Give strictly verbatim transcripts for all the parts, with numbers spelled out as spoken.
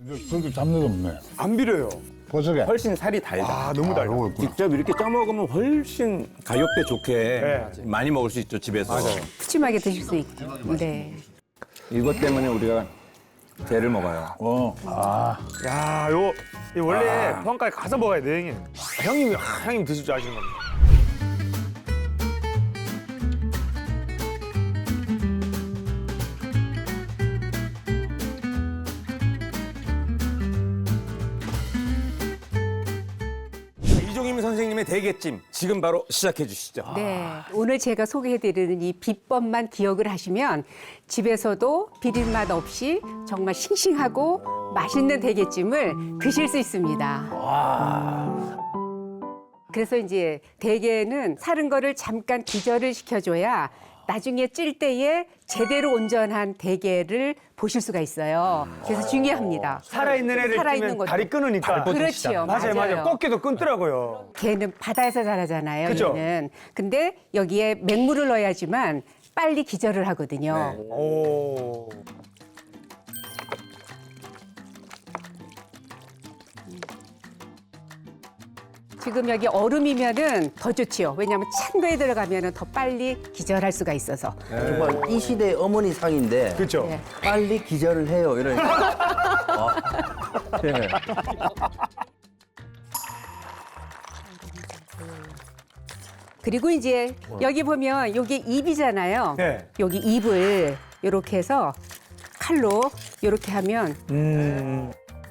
그렇게 잡내도 없네. 안 비려요. 버섯에. 훨씬 살이 달다. 아, 너무 달다. 요거 있구나. 직접 이렇게 쪄 먹으면 훨씬 가격대 좋게 네. 많이 먹을 수 있죠, 집에서. 푸짐하게 드실 수 있게. 네. 이것 때문에 우리가 게를 먹어요. 어. 아. 야, 요, 이 원래 포항까지 가서 먹어야 돼, 형님. 아, 형님이, 아, 형님 드실 줄 아시는 겁니다. 이종임 선생님의 대게찜 지금 바로 시작해 주시죠. 네. 오늘 제가 소개해드리는 이 비법만 기억을 하시면 집에서도 비린맛 없이 정말 싱싱하고 맛있는 대게찜을 드실 수 있습니다. 그래서 이제 대게는 사른 거를 잠깐 기절을 시켜줘야 나중에 찔 때에 제대로 온전한 대게를 보실 수가 있어요. 그래서 중요합니다. 살아있는 애를 살아있는 찌면 것도. 다리 끊으니까. 그렇죠. 맞아요, 맞아요. 꺾기도 끊더라고요. 게는 바다에서 자라잖아요. 그죠? 얘는. 근데 여기에 맹물을 넣어야지만 빨리 기절을 하거든요. 오. 지금 여기 얼음이면은 더 좋지요. 왜냐하면 찬 거에 들어가면은 더 빨리 기절할 수가 있어서. 정말 이 시대의 어머니 상인데 그렇죠. 네. 빨리 기절을 해요. 이러니까. 아, 네. 그리고 이제 여기 보면 여기 입이잖아요. 네. 여기 입을 이렇게 해서 칼로 이렇게 하면 음.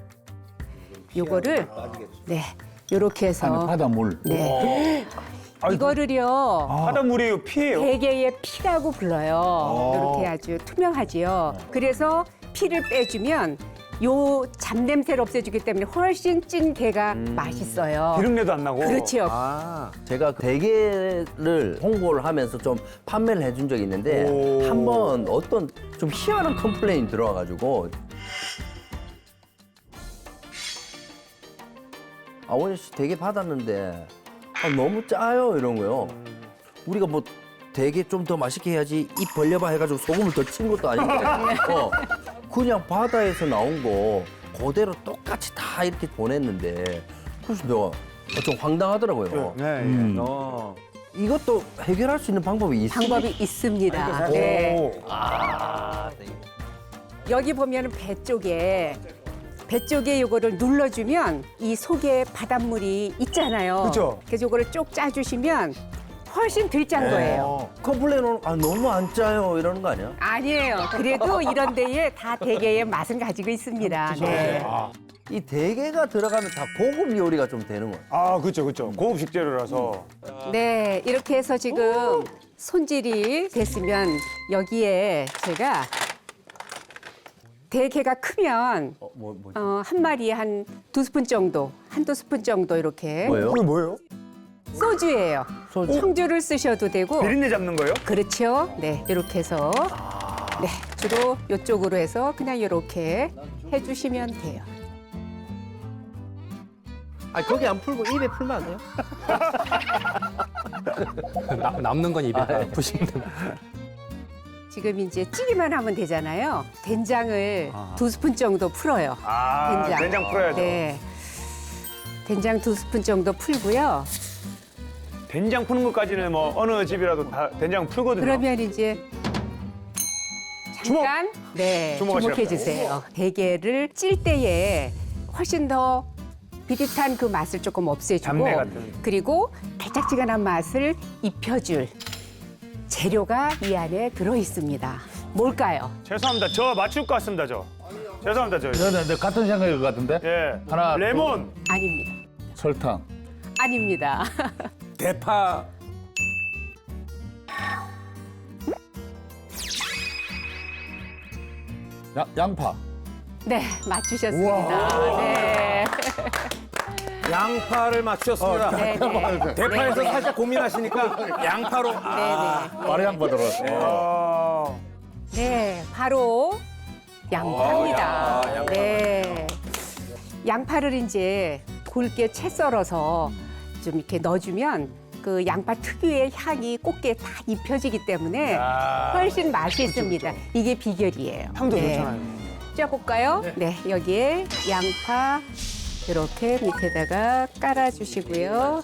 요거를 네 이렇게 안에 해서 바닷물. 네 이거를요 바닷물이 피해요. 대게의 피라고 불러요. 이렇게 아주 투명하지요. 그래서 피를 빼주면 요 잡냄새를 없애주기 때문에 훨씬 찐 게가 맛있어요. 기름내도 안 나고. 그렇지요. 아, 제가 대게를 홍보를 하면서 좀 판매를 해준 적이 있는데 오. 한 번 어떤 좀 희한한 컴플레인이 들어와가지고 아버님 씨 대게 받았는데 아, 너무 짜요 이런 거요. 우리가 뭐 대게 좀 더 맛있게 해야지 입 벌려봐 해가지고 소금을 더 친 것도 아니고 어, 그냥 바다에서 나온 거 그대로 똑같이 다 이렇게 보냈는데 그래서 내가 좀 황당하더라고요. 네. 음. 어. 이것도 해결할 수 있는 방법이 있습니까? 방법이 있습니다. 네. 오. 아, 네. 여기 보면 배 쪽에 배 쪽에 요거를 눌러주면 이 속에 바닷물이 있잖아요. 그죠? 그래서 요거를 쪽 짜주시면 훨씬 덜 짠 거예요. 컴플레인은 아 너무 안 짜요 이러는 거 아니야? 아니에요. 그래도 이런 데에 다 대게의 맛은 가지고 있습니다. 네. 이 대게가 들어가면 다 고급 요리가 좀 되는 거야. 아, 그렇죠, 그렇죠. 고급 식재료라서. 네, 이렇게 해서 지금 손질이 됐으면 여기에 제가 대게가 크면 어, 뭐, 뭐, 어, 한 마리에 한 두 스푼 정도, 한두 스푼 정도 이렇게 뭐예요? 그게 뭐예요? 소주예요. 소주. 청주를 쓰셔도 되고 비린내 잡는 거예요? 그렇죠. 네, 이렇게 해서 네, 주로 이쪽으로 해서 그냥 이렇게 해주시면 돼요. 아 거기 안 풀고 입에 풀면 안 돼요? 남- 남는 건 입에 다 푸시면 됩니다. 지금 이제 찌기만 하면 되잖아요. 된장을 두 스푼 정도 풀어요. 아, 된장. 된장 풀어야죠. 네. 된장 두 스푼 정도 풀고요. 된장 푸는 것까지는 뭐 어느 집이라도 다 된장 풀거든요. 그러면 이제 잠깐 네 주목하시라고요. 주목해 주세요. 대게를 찔 때에 훨씬 더 비릿한 그 맛을 조금 없애주고 잡내 같은. 그리고 달짝지근한 맛을 입혀줄 재료가 이 안에 들어 있습니다. 뭘까요? 죄송합니다. 저 맞출 것 같습니다, 저. 죄송합니다, 저. 저는 네, 같은 생각일 것 같은데. 예. 하나, 레몬. 아닙니다. 설탕. 아닙니다. 대파. 야, 양파. 네 맞추셨습니다. 네. 양파를 맞추셨습니다. 네, 네. 대파에서 네, 네. 살짝 고민하시니까 양파로. 아. 네, 네. 바로 양파 들어갔어. 아, 네, 바로 양파입니다. 어, 야, 양파. 네. 양파를 이제 굵게 채 썰어서 좀 이렇게 넣어주면 그 양파 특유의 향이 꽃게 다 입혀지기 때문에 아. 훨씬 맛이 있습니다. 이게 비결이에요. 향도 네. 좋잖아요. 쪄볼까요? 네. 여기에 양파 이렇게 밑에다가 깔아주시고요.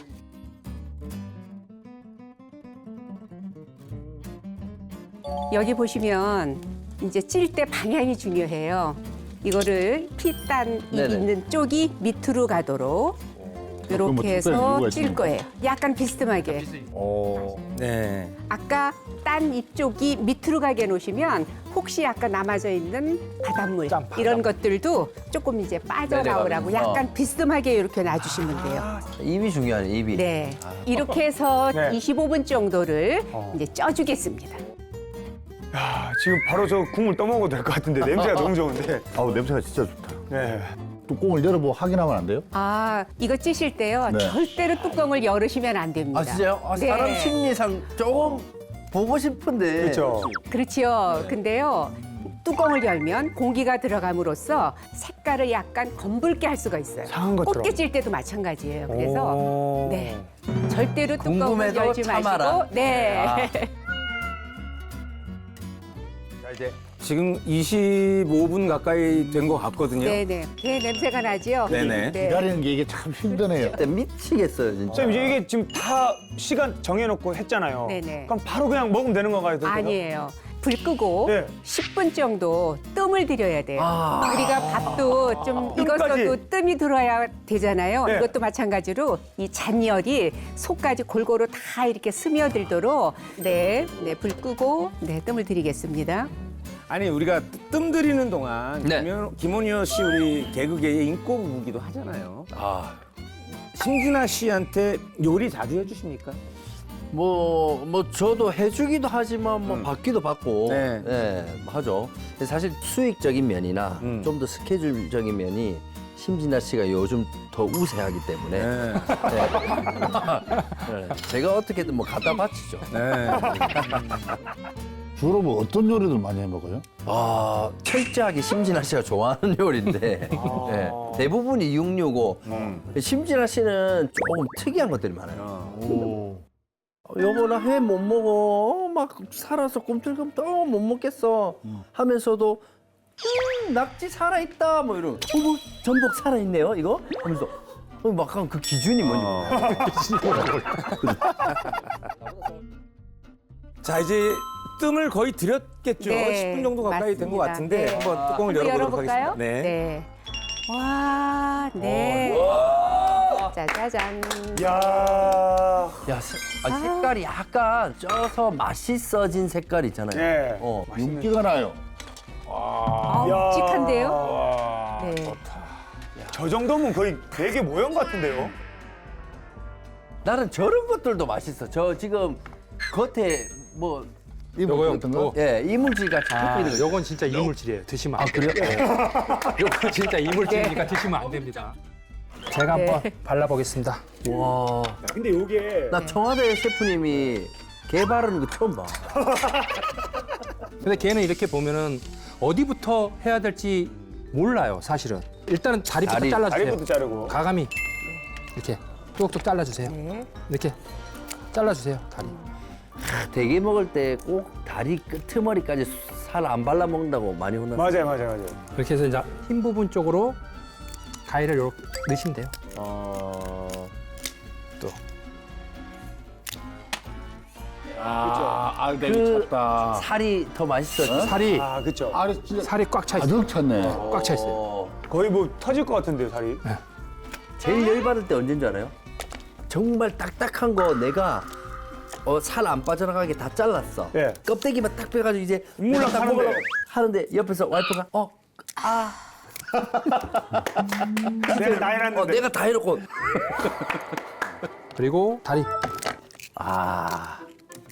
여기 보시면 이제 찔 때 방향이 중요해요. 이거를 피단 네네. 있는 쪽이 밑으로 가도록 뭐 이렇게 해서 특별한 찔 이유가 거예요. 약간 비스듬하게. 네. 아까 딴 이쪽이 밑으로 가게 놓으시면 혹시 아까 남아져 있는 바닷물 이런 것들도 조금 이제 빠져나오라고 내려가면서. 약간 비스듬하게 이렇게 놔주시면 돼요. 입이 중요하네, 입이. 네. 이렇게 해서 네. 이십오 분 정도를 이제 쪄주겠습니다. 야, 지금 바로 저 국물 떠먹어도 될 것 같은데 냄새가 너무 좋은데. 아우 냄새가 진짜 좋다. 네. 뚜껑을 열어보고 확인하면 안 돼요? 아, 이거 찌실 때요. 네. 절대로 뚜껑을 열으시면 안 됩니다. 아, 진짜요? 아, 네. 사람 심리상 조금 보고 싶은데. 그렇죠. 그렇지요. 근데요. 뚜껑을 열면 공기가 들어감으로써 색깔을 약간 검붉게 할 수가 있어요. 상한 것처럼. 꽃게 찔 때도 마찬가지예요. 그래서 오. 네. 절대로 뚜껑을 궁금해도 열지 참아라. 마시고 네. 아. 자, 이제 지금 이십오 분 가까이 된 것 같거든요. 네네. 네, 냄새가 나지요. 네네. 네. 기다리는 게 이게 참 힘드네요. 그때 미치겠어요, 진짜. 선생님 이제 이게 지금 다 시간 정해놓고 했잖아요. 네네. 그럼 바로 그냥 먹으면 되는 건가요? 선생님? 아니에요. 불 끄고 네. 십 분 정도 뜸을 들여야 돼요. 아. 우리가 밥도 좀 뜸까지. 익었어도 뜸이 들어야 되잖아요. 네. 이것도 마찬가지로 이 잔열이 속까지 골고루 다 이렇게 스며들도록 네, 네, 불 끄고 네, 뜸을 들이겠습니다. 아니 우리가 뜸 들이는 동안 네. 김현- 김원효 씨 우리 개그계의 인꼬부부기도 하잖아요. 아. 심진아 씨한테 요리 자주 해주십니까? 뭐, 뭐, 저도 해주기도 하지만, 뭐, 받기도 받고, 네. 네, 하죠. 근데 사실 수익적인 면이나 음. 좀 더 스케줄적인 면이 심진아 씨가 요즘 더 우세하기 때문에, 네. 네, 제가 어떻게든 뭐 갖다 바치죠. 네. 주로 뭐 어떤 요리들 많이 해 먹어요? 아, 철저하게 심진아 씨가 좋아하는 요리인데, 네, 대부분이 육육오. 심진아 씨는 조금 특이한 것들이 많아요. 오. 어, 여보 나 회 못 먹어. 어, 막 살아서 꿈틀꿈틀 어, 못 먹겠어. 하면서도 음, 낙지 살아있다 뭐 이런. 어, 뭐 전복 살아있네요 이거? 하면서 어, 막 한 그 기준이 뭔지 모르겠어요. 자 이제 뜸을 거의 들였겠죠. 네, 십 분 정도 가까이 된 것 맞습니다. 같은데 네. 한번 뚜껑을 한번 열어보도록 열어볼까요? 하겠습니다. 네. 네. 와, 네. 짜자잔. 야. 야, 세- 아, 색깔이 약간 쪄서 맛있어진 색깔 있잖아요. 네. 어, 윤기가 나요. 아, 야. 묵직한데요? 와. 네. 저 정도면 거의 되게 모형 같은데요? 나는 저런 것들도 맛있어. 저 지금 겉에 뭐 이거 요거요? 같은 거? 어. 예, 이물질같이 아, 붙어 있는 거. 요건 진짜 이물질이에요. 드시면 안 돼요. 그래요? 요건 진짜 이물질이니까 드시면 안 됩니다. 제가 한번 네. 발라보겠습니다. 와, 근데 이게 나 청와대 셰프님이 개 바르는 거 처음 봐. 근데 걔는 이렇게 보면은 어디부터 해야 될지 몰라요, 사실은. 일단은 다리부터 다리, 잘라주세요. 다리부터 자르고. 가감이 이렇게 뚝뚝 잘라주세요. 네. 이렇게 잘라주세요, 다리. 대게 먹을 때 꼭 다리 끄트머리까지 살 안 발라 먹는다고 많이 혼났어요. 맞아요, 맞아요, 맞아요. 이렇게 해서 이제 흰 부분 쪽으로 가위를 이렇게 넣으시면 돼요. 어... 또. 아, 아, 내가 그 미쳤다. 살이 더 맛있어. 살이 아, 그쵸. 아, 진짜 살이 꽉 차 있어요. 가득 찼네. 꽉 차 있어요. 어... 거의 뭐 터질 것 같은데요, 살이. 제일 열받을 때 언제인 줄 알아요? 정말 딱딱한 거 내가 어, 살 안 빠져나가게 다 잘랐어. 예. 껍데기만 딱 빼가지고 이제 물랑 딱 하는데. 먹으려고 하는데 옆에서 와이프가 어, 아, 내가 나이 났는데. 어, 내가 다 해놓고 그리고 다리. 아,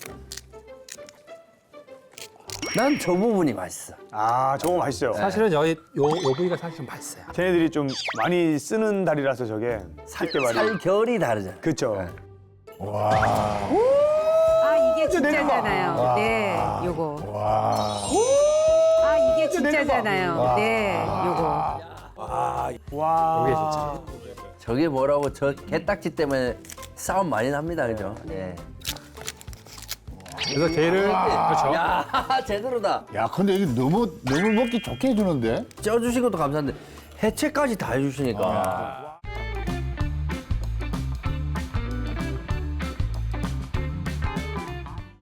난 저 부분이 맛있어. 아, 저거 맛있죠. 사실은 여기 요, 요 부위가 사실 좀 맛있어요. 걔네들이 좀 많이 쓰는 다리라서 저게 쉽게 말이. 살 결이 다르잖아. 그쵸. 아, 이게 진짜잖아요. 네, 요거. 와. 아, 이게 진짜잖아요. 네, 요거. 와. 이게 진짜. 저게 뭐라고 저 개딱지 때문에 싸움 많이 납니다, 그죠? 네. 그래서 게를 그렇죠. 야, 제대로다. 야, 근데 이게 너무 너무 먹기 좋게 해주는데. 쪄주신 것도 감사한데 해체까지 다 해주시니까.